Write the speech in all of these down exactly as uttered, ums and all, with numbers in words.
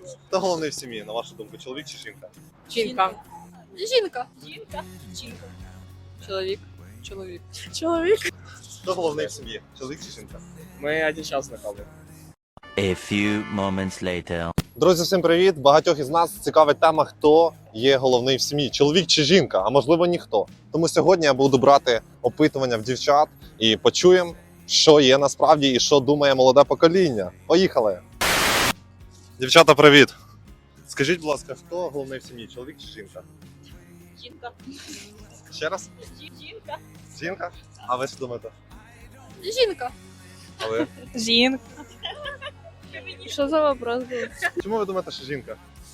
Хто головний в сім'ї, на вашу думку, чоловік чи жінка? Жінка. Жінка. Жінка. Жінка. Чоловік. Чоловік. Чоловік. Хто головний в сім'ї, чоловік чи жінка? Ми один час знайомі. A few moments later. Друзі, всім привіт! Багатьох із нас цікавить тема, хто є головний в сім'ї, чоловік чи жінка, а можливо ніхто. Тому сьогодні я буду брати опитування в дівчат і почуємо, що є насправді і що думає молоде покоління. Поїхали! Дівчата, привіт! Скажіть, будь ласка, хто головний в сім'ї, чоловік чи жінка? Жінка. Ще раз? Жінка. Жінка? А ви що думаєте? Жінка. А ви? Жінка. Що за вопрос був? Чому ви думаєте, що жінка?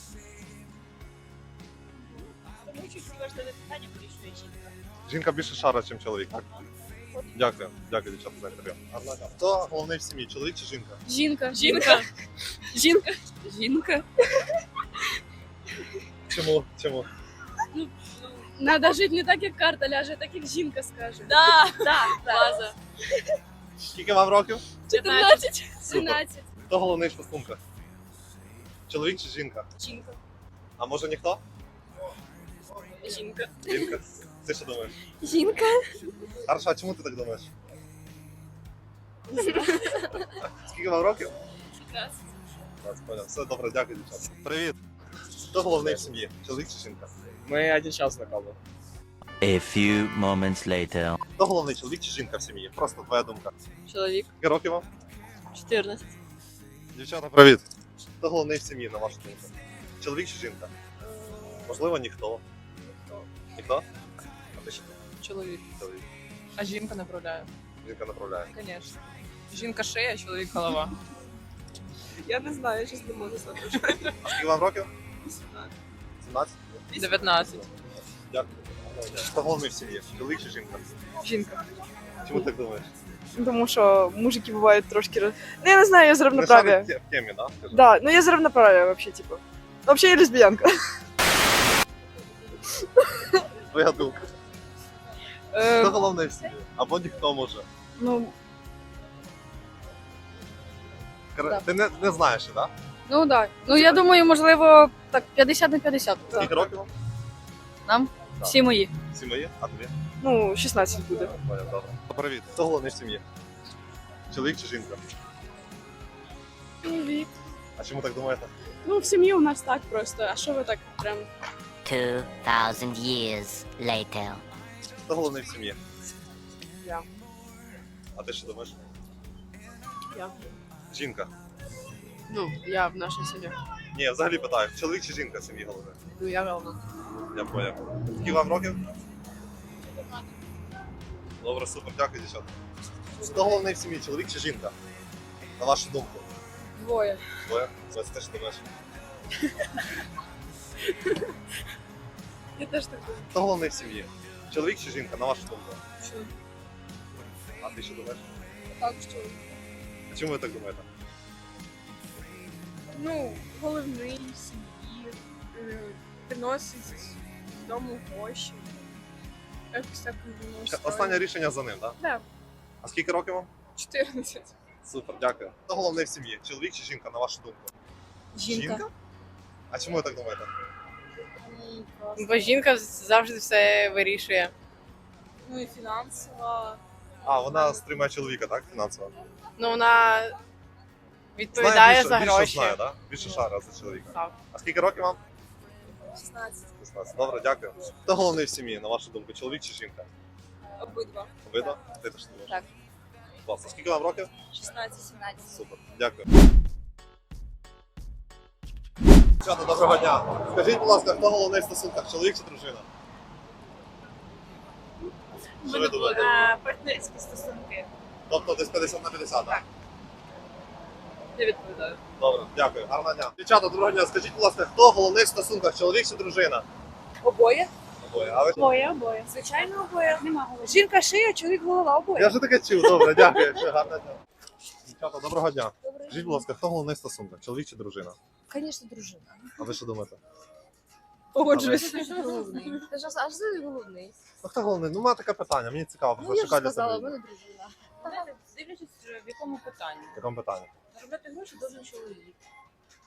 Тому що всі важливі питання вирішує жінка. Жінка більше шара, ніж чоловік, так? Дякую. Дякую, дівчата, за інтерв'ю. Хто головний в сім'ї, чоловік чи жінка? Жінка. Жінка. Жінка. Жінка. Чому? Чому? Надо жити не так, як карта ляже, а так, як жінка скаже. Да, да, база. Скільки вам років? чотирнадцять. тринадцять. Хто головний в стосунках? Чоловік чи жінка? Жінка. А може ніхто? Жінка. Жінка? Ти що думаєш? Жінка. Хорошо, а чому ти так думаєш? Скільки вам років? п'ятнадцять. Понял. Все добре, дякую, дівчата. Привіт. Хто головний в сім'ї? Чоловік чи жінка? Ми один час знайомі. A few moments later. Хто головний, чоловік чи жінка в сім'ї? Просто твоя думка. Чоловік. Скільки років вам? чотирнадцять. Дівчата, привіт. Хто головний в сім'ї, на вашу думку? Чоловік чи жінка? Можливо, ніхто. Ніхто? А ти що? Чоловік. Чоловік. А жінка направляє. Жінка направляє. Звісно. Жінка шия, чоловік голова. Я не знаю, я щось не можу сказати. А скільки вам років? сімнадцять? дев'ятнадцять. Дякую. Хто головний в сім'ї? Чоловік чи жінка? Жінка. Чому ти так думаєш? Тому що мужики бувають трошки... роз- Ну, я не знаю, я з Не равноправия. шарить в темі, да? Скажи. Да, ну я з равноправия вообще, типу. Вообще я лесбиянка. Твоя думка. Хто Е, головний в сім'ї? Або ніхто може. ну, Кр- Ти не, не знаєш, так? Да? Ну так. Ну я думаю, можливо, так п'ятдесят на п'ятдесят. Скільки років вам? Нам? Так. Всі мої. Всі мої? А тобі? ну, шістнадцять буде. Понял, добре. Привіт. Хто головний в сім'ї? Чоловік чи жінка? Чоловік. А чому так думаєте? Ну, в сім'ї у нас так просто. А що ви так прям? Two thousand years later. Хто головний в сім'ї? Я. А ти що думаєш? Я. Жінка. Ну, я в нашій сім'ї. Ні, я взагалі питаю, чоловік чи жінка в сім'ї головний? Ну, я голова. Я поняв. Скільки вам років? Добре, супер, дякую, дівчата. Хто головний в сім'ї, чоловік чи жінка? На вашу думку? Двоє. Двоє? Ось ти що думаєш? Я теж так думаю. Хто головний в сім'ї? Чоловік чи жінка, на вашу думку? Що? А ти що думаєш? Так, що? А чому ви так думаєте? Ну, головний в сім'ї, е, приносить з дому гроші. Якось так воно Останнє рішення за ним, так? Да. А скільки років вам? чотирнадцять. Супер, дякую. Хто головний в сім'ї? Чоловік чи жінка, на вашу думку? Жінка. А чому ви так думаєте? Бо жінка завжди все вирішує. Ну і фінансова. А, вона стримує чоловіка, так? Фінансово? Ну, вона Знає відповідає більше, за більше гроші. знає, так? Більше шара за чоловіка. Так. А скільки років вам? шістнадцять. шістнадцять. Добре, дякую. Хто головний в сім'ї, на вашу думку, чоловік чи жінка? Обидва. Обидва? Ти теж думаєш? Так. Класно. Скільки вам років? шістнадцять сімнадцять. Супер, дякую. Дівчата, доброго дня. Скажіть, будь ласка, хто головний в стосунках, чоловік чи дружина? Що ви думаєте? Партнерські стосунки. Тобто десь п'ятдесят на п'ятдесят, так? Не відповідаю. Добре, дякую. Гарного дня. Дівчата, доброго дня. Скажіть, будь ласка, хто головний в стосунках, чоловік чи дружина? Обоє? Обоє. А ви? Обоє, обоє. Звичайно, обоє. Нема голови. Жінка шия, чоловік голова, обоє. Я вже таке чув, добре, дякую. Все, гарного дня. Дівчата, доброго дня. Скажіть, будь ласка, хто головний в стосунках, чоловік чи дружина? Звісно, дружина. А ви що думаєте? Погоджуюсь. Головний. Ти ж аж ти головний. Ну хто головний? Ну, має таке питання, мені цікаво, Ну, просто я ж шукаю для сказала, в себе. мене дружина. Дивлячись, в якому питанні. В якому питанні? Заробляти гроші должен чоловік.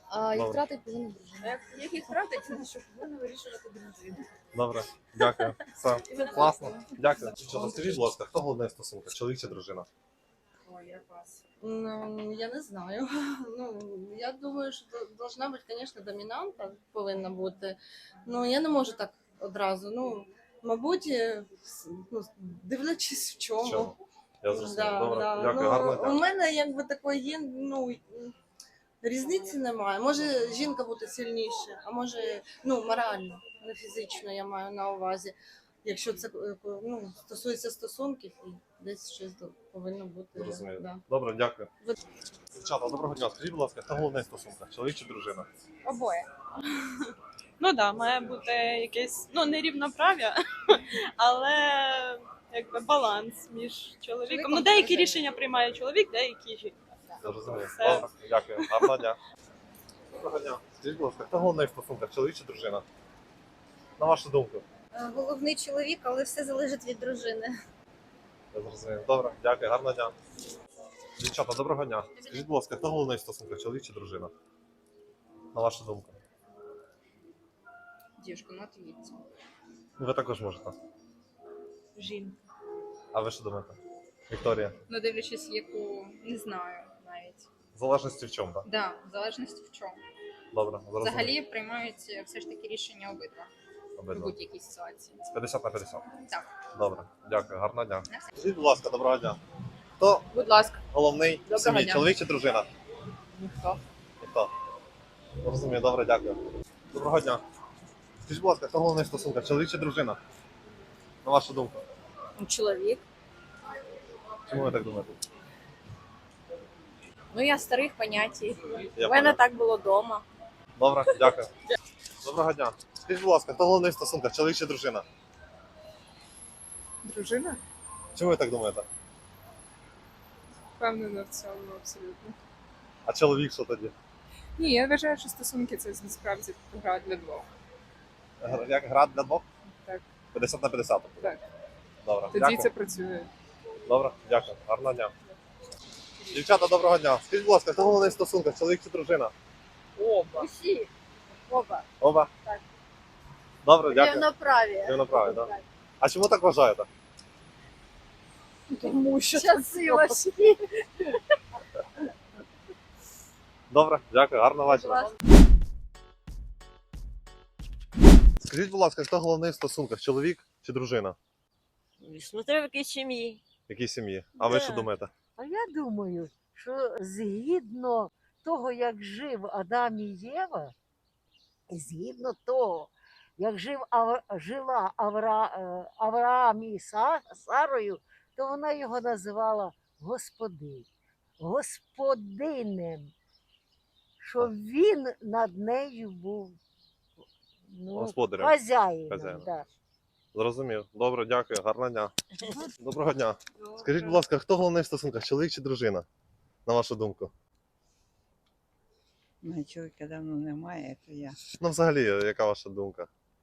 А їх Добре. втратить повинна дружина. Як, як їх втратить, це що повинна вирішувати дружина. Добре, дякую. Все, класно. Дякую. Що, скажіть, будь ласка, хто головний в стосунках, чоловік чи дружина? Ой, я вас. Ну, я не знаю. Ну, я думаю, що до- должна бути, звісно, домінанта повинна бути. Ну, я не можу так одразу. Ну, мабуть, е, с- ну, дивлячись в чому. Чому? Я зрозумів. Да, Добре, да. дякую, Ну, гарного у дня. мене якби такої є, ну, різниці немає. Може жінка бути сильніше, а може, ну, морально, не фізично я маю на увазі. Якщо це е, ну, стосується стосунків, і десь щось до- повинно бути. Зрозумів. Да. Добре, дякую. Дівчата, доброго дня. Скажіть, будь ласка, хто головний в стосунках, чоловік чи дружина? Обоє. Ну так, да, має бути якесь, ну не рівноправ'я, але якби баланс між чоловіком. Ну, деякі рішення приймає чоловік, деякі жінка. Я розумію. Все. Добре, дякую. Гарного дня. Доброго дня. Скажіть, будь ласка, хто головний в стосунках, чоловік чи дружина? На вашу думку. Головний чоловік, але все залежить від дружини. Я зрозумів. Добре, дякую, гарного дня. Дівчата, доброго дня. Скажіть, будь ласка, хто головний в стосунках, чоловік чи дружина? На вашу думку. Дівчинку, ну отвіть. Ну, ви також можете. Жінка. А ви що думаєте? Вікторія. Ну, дивлячись, яку не знаю навіть. В залежності в чому, так? Да, в залежності в чому. Добре, зрозумів. Взагалі приймають все ж таки рішення обидва в Обидва. будь-якій ситуації. З п'ятдесят на п'ятдесят. Так. Добре, дякую, гарного дня. Скажіть, будь ласка, доброго дня. Хто Будь ласка. головний в Доброго сім'ї, дня. чоловік чи дружина? Ніхто. Ніхто. Розумію, добре, дякую. Доброго дня. Скажіть, будь ласка, хто головний в стосунках, чоловік чи дружина? На вашу думку. Чоловік. Чому ви так думаєте? Ну, я старих понятій. Я У мене понял. так було вдома. Добре, дякую. Доброго дня. Скажіть, будь ласка, хто головний в стосунках, чоловік чи дружина? Дружина? Чому ви так думаєте? Впевнена в цьому абсолютно. А чоловік що тоді? Ні, я вважаю, що стосунки це насправді гра для двох. Гра- Як гра для двох? Так. п'ятдесят на п'ятдесят. Так. Добре, Тоді дякую. це працює. Добре, дякую. Гарного дня. Дівчата, доброго дня. Скажіть, будь ласка, хто головний в стосунках, чоловік чи дружина? Оба. Усі. Оба. Оба? Так. Добре, дякую. Рівноправі. Рівноправі, так? А чому так вважаєте? Тому що часи важкі. Добре, дякую, гарного вечора. Скажіть, будь ласка, хто головний в стосунках, чоловік чи дружина? Смотря в якій сім'ї. В якій сім'ї? А ви Да. що думаєте? А я думаю, що згідно того, як жив Адам і Єва, і згідно того, як жив Ав... жила Авра... е, Авраам і Са... Сарою, то вона його називала господин, господинем, що він над нею був ну, Господарем. хазяїном. Хазяїном. Да. Зрозумів. Добре, дякую, гарного дня. Доброго дня. Скажіть, будь ласка, хто головний в стосунках, чоловік чи дружина? На вашу думку? Ну, чоловіка давно немає, то я. Ну, взагалі, яка ваша думка?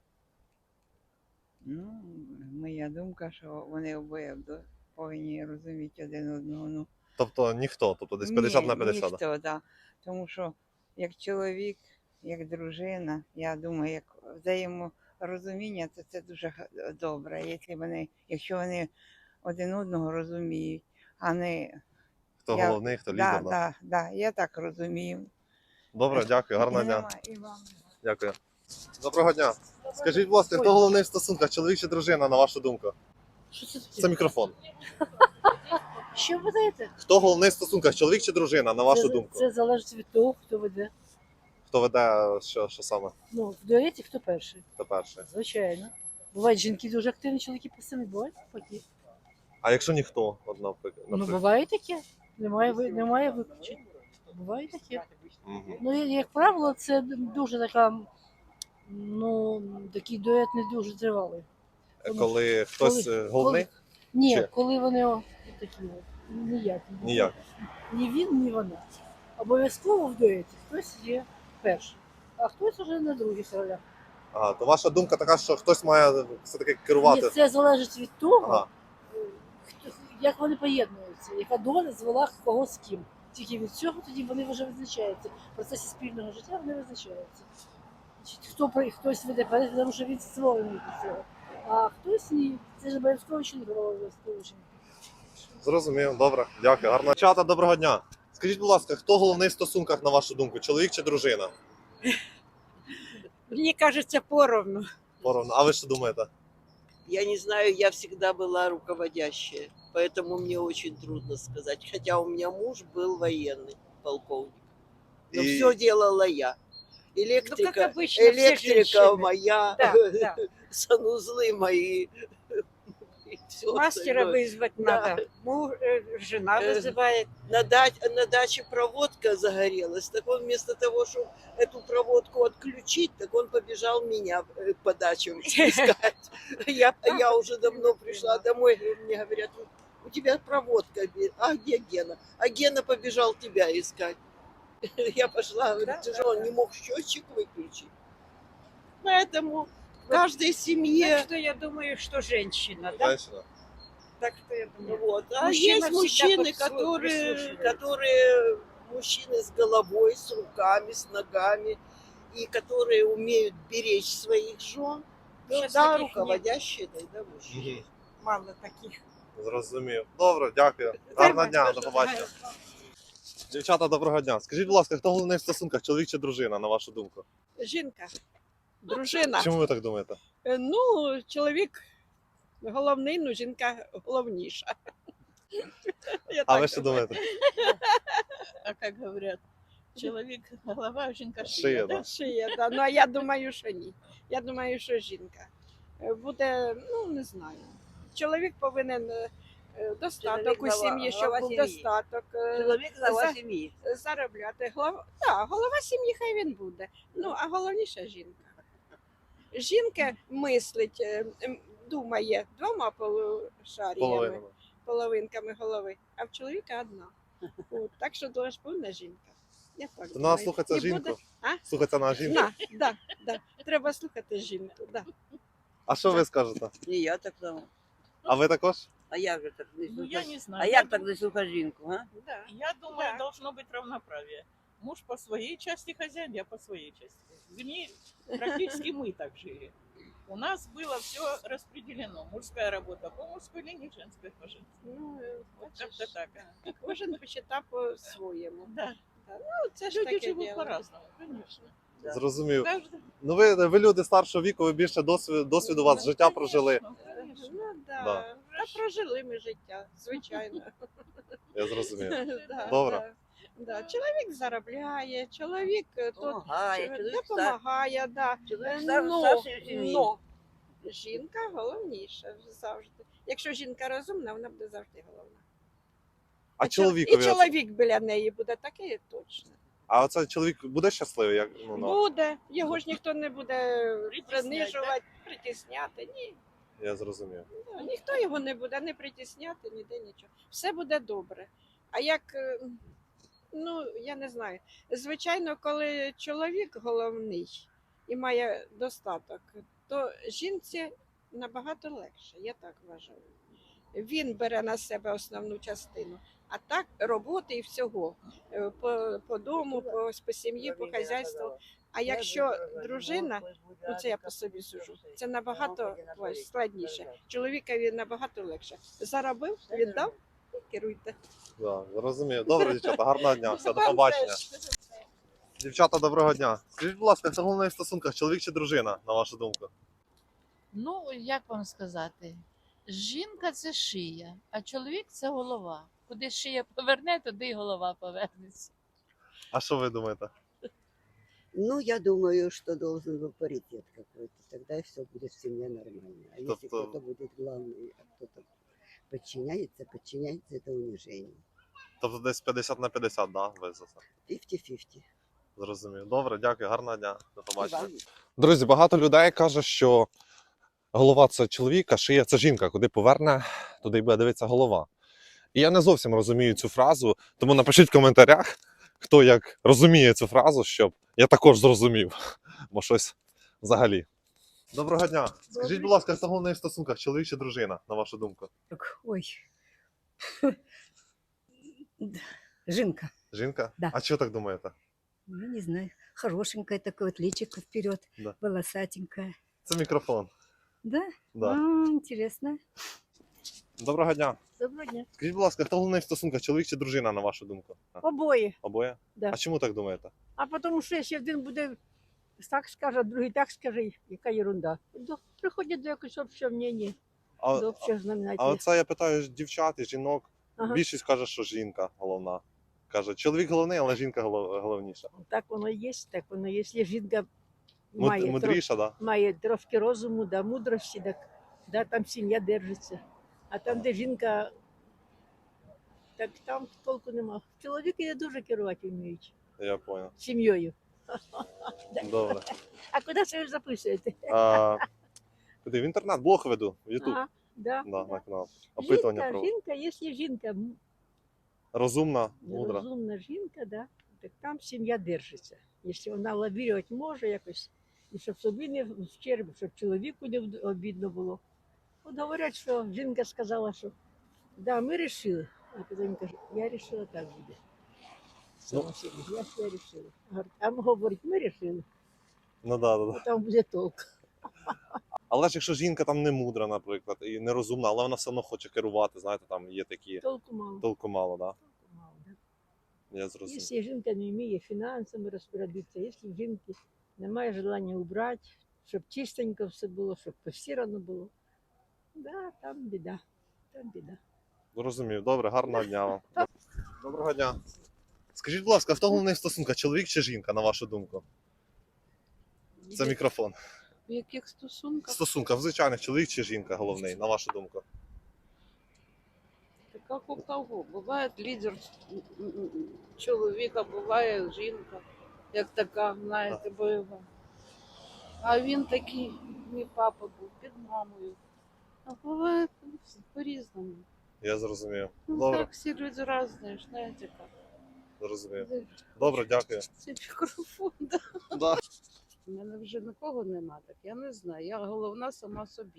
Ну, моя думка, що вони обоє до- повинні розуміти один одного. Ну, Тобто ніхто, тобто десь п'ятдесят на п'ятдесят. Ніхто, да. Тому що як чоловік, як дружина, я думаю, як взаєморозуміння, то це дуже га- добре. Якщо вони, якщо вони один одного розуміють, а не Хто я- головний, хто да, лідер. да. да, да, я так розумію. Добре, дякую, гарного І дня. нема- і вам. Дякую. Доброго дня. Скажіть, будь ласка, хто головний в стосунках, чоловік чи дружина, на вашу думку? Що це таке? Це мікрофон. Що ви даєте? Хто головний в стосунках, чоловік чи дружина, на вашу це, думку? Це залежить від того, хто веде. Хто веде, що, що саме? Ну, в дуеті хто перший. Хто перший? Звичайно. Бувають жінки дуже активні, чоловіки пасивні, бувають такі. А якщо ніхто, от, наприклад? Ну, буває таке. Немає, ви- немає виключень. Буває таке. Мгм. Ну, я- як правило, це дуже така, ну, такий дует не дуже тривалий. Тому Коли хтось коли- е, головний? коли- Ні, Чи? коли вони о, такі от, ніякі. Ніяк. Ні він, ні вона. Обов'язково в дуеті хтось є перший, а хтось вже на других ролях. Ага, то ваша думка така, що хтось має все-таки керувати. Ні, це залежить від того, Ага. е, хто- як вони поєднуються, яка доля звела кого з ким. Тільки від цього тоді вони вже визначаються. В процесі спільного життя вони визначаються. Значить, хто при- хтось веде порядок, тому що він створений до цього. А хтось ні. Це ж обов'язково чоловік, обов'язково жінка. Зрозумів, добре, дякую. Гарно. Чата, доброго дня. Скажіть, будь ласка, хто головний в стосунках, на вашу думку, чоловік чи дружина? Мне кажется, поровну. Поровну. А ви що думаєте? Я не знаю, я всегда была руководящая, поэтому мне очень трудно сказать. Хотя у меня муж был военный, полковник. Но И- все делала я. Электрика, Ну, как обычно, все электрика женщины. моя, Да, да. санузлы мои. и всё Мастера остальное. вызвать Да. надо. Муж, э, жена Э, вызывает. На, да- на даче проводка загорелась, так он вместо того, чтобы эту проводку отключить, так он побежал меня э, по дачам искать. Я, я уже давно пришла домой, говорю, мне говорят, у тебя проводка, бе- а где Гена? А Гена побежал тебя искать. Я пошла, говорю, Да, ты да, же он да. не мог счетчик выключить. Поэтому в каждой Так семье... что я думаю, что женщина, да? Женщина. Так что я думаю. Вот. А Мужчина есть всегда мужчины, подслу- которые, прислушивается. которые мужчины с головой, с руками, с ногами, и которые умеют беречь своих жен. Ну, Сейчас да, таких нет. руководящие тогда мужчины. Мгм. Мало таких. Зрозумів. Добре, дякую. Гарного дня, до побачення. Дівчата, доброго дня. Скажіть, будь ласка, хто головний в стосунках, чоловік чи дружина, на вашу думку? Жінка, дружина. Чому ви так думаєте? Е, Ну, чоловік головний, ну жінка головніша. Я А так ви що думаю. думаєте? А как говорят, человек голова, а жінка шия. Шия, да? да. Шиє, да. Ну, а я думаю, що ні. Я думаю, що жінка. Е, Буде, ну, не знаю. Чоловік повинен е, достаток Чоловік у голова- сім'ї, щоб голова був сім'ї. достаток. е, Чоловік глава за- сім'ї. заробляти. Голова, так, голова сім'ї хай він буде. Ну, а головніше жінка. Жінка мислить, е, м, думає двома полушаріями, Половинами. половинками голови, а в чоловіка одна. От, так що дуже ж повна жінка. Я так То думаю. треба слухатися І жінку. буде- А? Слухатися на жінку. На, да, да. Треба слухати жінку. Да. А що ви скажете? І я так само. А ви також? А як же так не Ну, я слухати? не знаю. А Я як так дум- не слухати жінку, а? Да. Я думаю, Да. должно быть равноправие. Муж по своей части хозяин, я по своей части. Вернее, практически мы так жили. У нас было все распределено. Мужская работа по мужской линии, женская по женской. Ну, е, Вот бачиш, как-то так. кожен почитав по-своєму. Да. Ну, це ж Люди таке живут діло. по-разному, конечно. Да. Зрозумів. Каждый- Ну ви, ви люди старшого віку, ви більше досвіду, досвіду у вас Ну, життя конечно, прожили. конечно. Ну, да. Да. Та прожили ми життя, звичайно. Я зрозумів. Да, Добре. да. Да. Чоловік заробляє, чоловік е, тут Помагає, е, чоловік стар- допомагає, да. чоловік Е, стар- но, старший в сім'ї. но жінка головніша завжди. Якщо жінка розумна, вона буде завжди головна. А чол- чоловікові? І чоловік біля неї буде такий точно. А оце чоловік буде щасливий? Як, ну, ну, Буде, його ж ніхто не буде Притісняти, принижувати, притісняти. Ні. я зрозумів. Ну, ніхто його не буде не притісняти, ніде нічого. Все буде добре. А як, е, ну, я не знаю. Звичайно, коли чоловік головний і має достаток, то жінці набагато легше, я так вважаю. Він бере на себе основну частину. А так роботи і всього е, по, по дому, по, по сім'ї, по хазяйству. А якщо дружина, ну це я по собі сужу, це набагато складніше. Чоловікові набагато легше. Заробив, віддав і керуйте. Да, зрозумів. Добре, дівчата, гарного дня. Все, до побачення. Дівчата, доброго дня. Скажіть, будь ласка, хто головний в стосунках, чоловік чи дружина, на вашу думку? Ну, як вам сказати, жінка це шия, а чоловік це голова. Куди шия поверне, туди й голова повернеться. А що ви думаєте? Ну, я думаю, что должен был паритет какой-то. Тогда все будет в семье нормально. А если Тобто- кто-то будет главный, а кто-то подчиняется, подчиняется, это унижение. Тобто десь п'ятдесят на п'ятдесят, да, ви за це? п'ятдесят-п'ятдесят. Зрозумів. Добре, дякую, гарного дня. До побачення. вам. Друзі, багато людей каже, що голова це чоловік, а шия це жінка. Куди поверне, туди й буде дивитися голова. І я не зовсім розумію цю фразу, тому напишіть в коментарях, хто як розуміє цю фразу, щоб я також зрозумів, бо щось взагалі. Доброго дня. Скажіть, будь ласка, хто головний в стосунках, чоловік чи дружина, на вашу думку? Ой. Жінка. Жінка? Да. А чого так думаєте? Ну, не знаю. Хорошенькая такое, вот личико вперед, Да. волосатенькая. Це мікрофон. Да? Да. А, интересно. Доброго дня. Доброго дня. Скажіть, будь ласка, хто головний в стосунках, чоловік чи дружина, на вашу думку? А, Обоє. Обоє? Да. А чому так думаєте? А тому що якщо один буде так скаже, а другий так скаже, яка ерунда. До, приходять до якогось общого мнення, А, до общого а знаменателя. оце я питаю дівчат і жінок. Ага. Більшість каже, що жінка головна. Каже, чоловік головний, але жінка голов- головніша. Так воно і є, так воно є. Якщо жінка Муд- має, мудріша, трош, да? має трошки розуму, да, мудрості, так, да, там сім'я держиться. А там, де жінка, так там толку нема. Чоловіки не дуже керувати вміють Я понял. сім'єю. Добре. А куди це ви записуєте? А, куди? В інтернет, блог веду, в Ютуб. Ага, да, Да, да. на канал. Опитування Жінка, про жінка, якщо жінка м, розумна, мудра. розумна жінка, да, так там сім'я держиться. Якщо вона лавірувати може якось, і щоб собі не вчерб, щоб чоловіку не в- обідно було. От говорять, що жінка сказала, що да, ми вирішили. А потім він каже, я вирішила, так буде. Сама собі, я ж я вирішила. Говорить, а говорить, ми вирішили, Ну да, да, да. а там буде толк. Але ж якщо жінка там не мудра, наприклад, і не розумна, але вона все одно хоче керувати, знаєте, там є такі Толку мало. толку мало, да? мало да. Я зрозумів. Якщо жінка не вміє фінансами розпорядитися, якщо в жінки немає бажання убрати, щоб чистенько все було, щоб постирано було, да, там біда, там біда. Зрозумів. Добре, гарного дня вам. Доброго дня. Скажіть, будь ласка, хто головний в стосунках, чоловік чи жінка, на вашу думку? Це мікрофон. В яких В стосунках? стосунках, в звичайних, чоловік чи жінка головний, на вашу думку? Так як у кого? Буває лідер м, м, м, чоловіка, буває жінка, як така, знаєте, бойова. А він такий, мій папа був під мамою. А буває по-різному. Я зрозумів. Ну Добре, так, всі люди різні, знаєте як. зрозумів. Добре, дякую. Це мікрофон, да. Да. У мене вже нікого нема, так я не знаю. Я головна сама собі.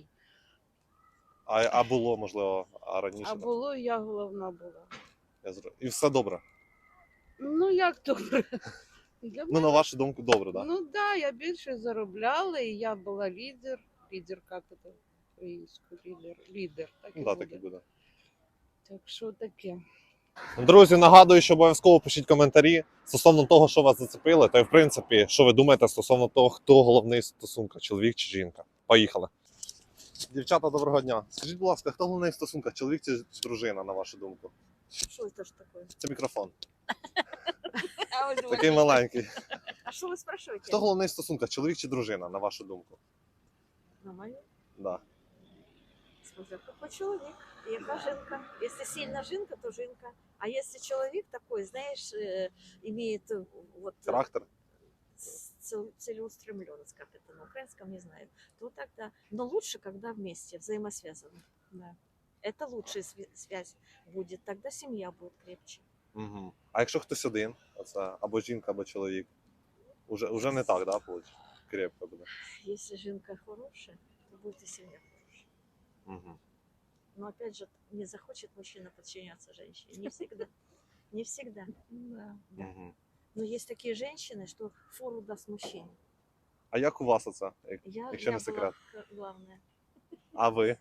А, а було, можливо, а раніше? А так? було, я головна була. Я зро- І все добре. Ну як добре? Для Ну, на вашу думку, добре, так? Да? Ну да, я більше заробляла, і я була лідер. Лідер, як це українською? Лідер. Лідер. Так і Ну, да, буде. так і буде. Так що таке. Друзі, нагадую, що обов'язково пишіть коментарі стосовно того, що вас зацепило, та й в принципі, що ви думаєте стосовно того, хто головний в стосунках, чоловік чи жінка. Поїхали. Дівчата, доброго дня. Скажіть, будь ласка, хто головний в стосунках, чоловік чи дружина, на вашу думку? Что это ж такое? Це мікрофон. А вы Такий думаете, маленький. а что вы спрашиваете? Хто головний в стосунках, чоловік чи дружина, на вашу думку? На мою? Да. Смотря какой человек, яка жінка. Если сильно жінка, то жінка. А если человек такой, знаешь, э, имеет э, вот э, Характер? цел- целеустремленность, как это на украинском, не знаю, то тогда, но лучше, когда вместе, взаимосвязаны. Да. Это лучшая сви- связь будет, тогда семья будет крепче. Угу. А якщо хтось один, оце або жінка, або чоловік, уже, уже не так, да, виходить? Крепко буде. Если жінка хорошая, то будет и семья хорошая. Угу. Но опять же, не захочет мужчина подчиняться женщине. Не всегда. Не всегда. Да. Угу. Но есть такие женщины, что фору даст мужчине. А як у вас оце, як- Я, якщо я не секрет? была к- главная. А ви?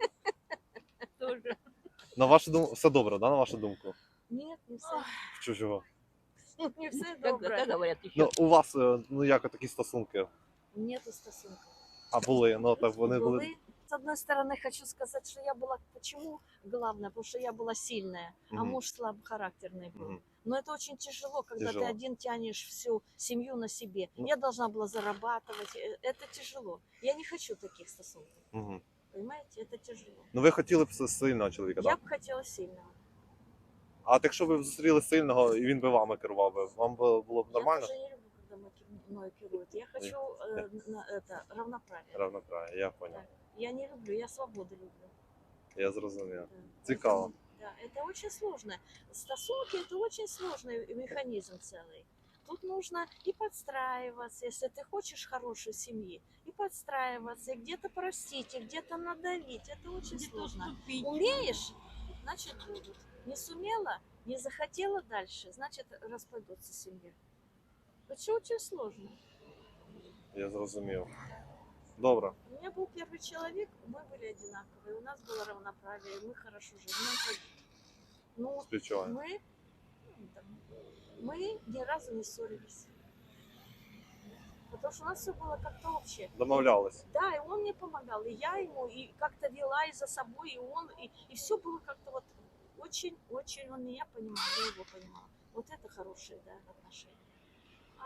Тоже. На вашу думку, все добре, да, на вашу думку? Нет, не все. В чужого. Не все Как, добре. как говорят еще? Ну, у вас, е, ну як такі стосунки? Нету стосунков. А були, ну так вони були. Были. С одной стороны, хочу сказать, что я была... Почему главное? Потому что я была сильная, а Мгм. муж слабохарактерный был. Мгм. Но это очень тяжело, когда Тяжело. ты один тянешь всю семью на себе. Ну. Я должна была зарабатывать. э, Это тяжело. Я не хочу таких стосунков. Угу. Понимаете, это тяжело. Ну ви хотіли б с- сильного чоловіка, Я так? бы хотела сильного. А от якщо ви б зустріли сильного і він би вами керував, би, вам би було б нормально? Я уже не люблю, когда мною керуют. Я хочу э, на, это, равноправие. Равноправие, я понял. Я не люблю, я свободу люблю. Я зрозумів. Да. Цікаво. Да, это очень сложно. Стосунки – это очень сложный механизм целый. Тут нужно и подстраиваться, если ты хочешь хорошей семьи, и подстраиваться, и где-то простить, и где-то надавить. Это очень сложно. Умеешь, значит будут. Не сумела, Не захотела дальше, значит, распадется семья. Это все очень сложно. Я зрозумів. Добре. У меня был первый человек, мы были одинаковые, у нас было равноправие, мы хорошо жили. Ну, как- ну, Співчуваю. мы, ну, там, мы ни разу не ссорились. Потому что у нас все было как-то общее. Домовлялись. Да, и он мне помогал, и я ему, и как-то вела и за собой, и он, и, и все было как-то вот очень-очень, он меня понимал, я его понимала. Вот это хорошие, да, отношения. А,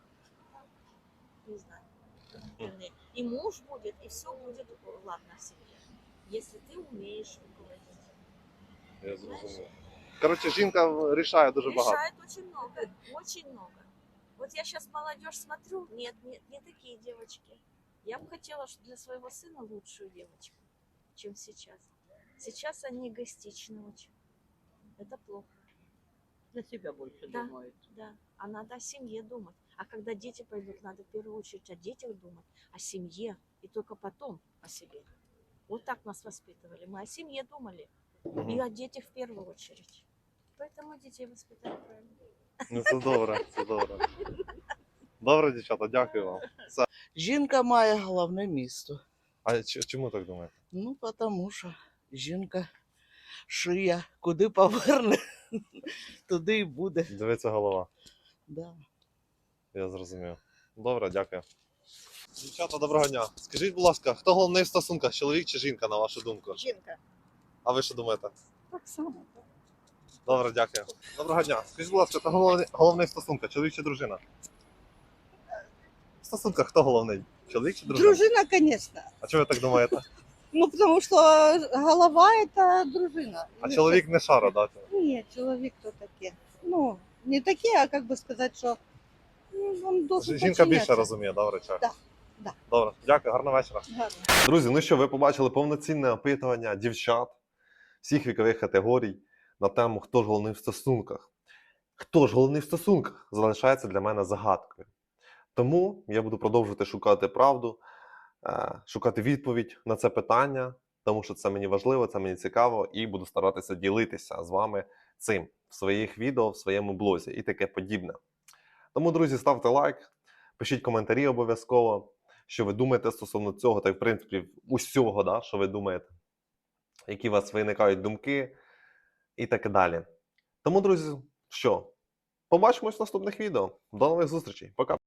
не знаю. И муж будет, и все будет ладно в семье, если ты умеешь руководить. Я зрозумів. Коротше, жінка рішає дуже багато. Решает очень много, очень много. Вот я сейчас молодежь смотрю, нет, нет, не такие девочки. Я бы хотела что для своего сына лучшую девочку, чем сейчас. Сейчас они эгоистичны очень. Это плохо. Для себя больше Да, думают. да. А надо о семье думать. А когда дети пойдут, надо в первую очередь о детях думать, о семье, и только потом о себе. Вот так нас воспитывали. Мы о семье думали, и о детях в первую очередь. Поэтому детей воспитали правильно. Ну це добре, це добре. Добре, дівчата, дякую вам. Все. Жінка має головне місто. А ч- чому так думаєте? Ну, тому що жінка шия, куди поверне, туди і буде. Дивиться голова. Да. Я зрозумів. Добре, дякую. Дівчата, доброго дня. Скажіть, будь ласка, хто головний в стосунках, чоловік чи жінка, на вашу думку? Жінка. А ви що думаєте? Так само. Добре, дякую. Доброго дня. Скажіть, будь ласка, хто головний, головний в стосунках, чоловік чи дружина? В стосунках хто головний? Чоловік чи дружина? Дружина, конечно. А чого ви так думаєте? Ну, потому что голова – это дружина. А чоловік не шара, да? Нет, человек то таке. Ну, не таке, а как бы сказать, что ну, он должен Жінка більше подчиняться. розуміє, да, в речах? Да, да. Добре, дякую, гарного вечора. Гарно. Друзі, ну що, ви побачили повноцінне опитування дівчат всіх вікових категорій на тему «Хто ж головний в стосунках?». Хто ж головний в стосунках залишається для мене загадкою. Тому я буду продовжувати шукати правду, е, шукати відповідь на це питання, тому що це мені важливо, це мені цікаво, і буду старатися ділитися з вами цим в своїх відео, в своєму блозі і таке подібне. Тому, друзі, ставте лайк, пишіть коментарі обов'язково, що ви думаєте стосовно цього, та й в принципі усього, да, що ви думаєте, які у вас виникають думки і так далі. Тому, друзі, що, побачимось в наступних відео. До нових зустрічей. Пока.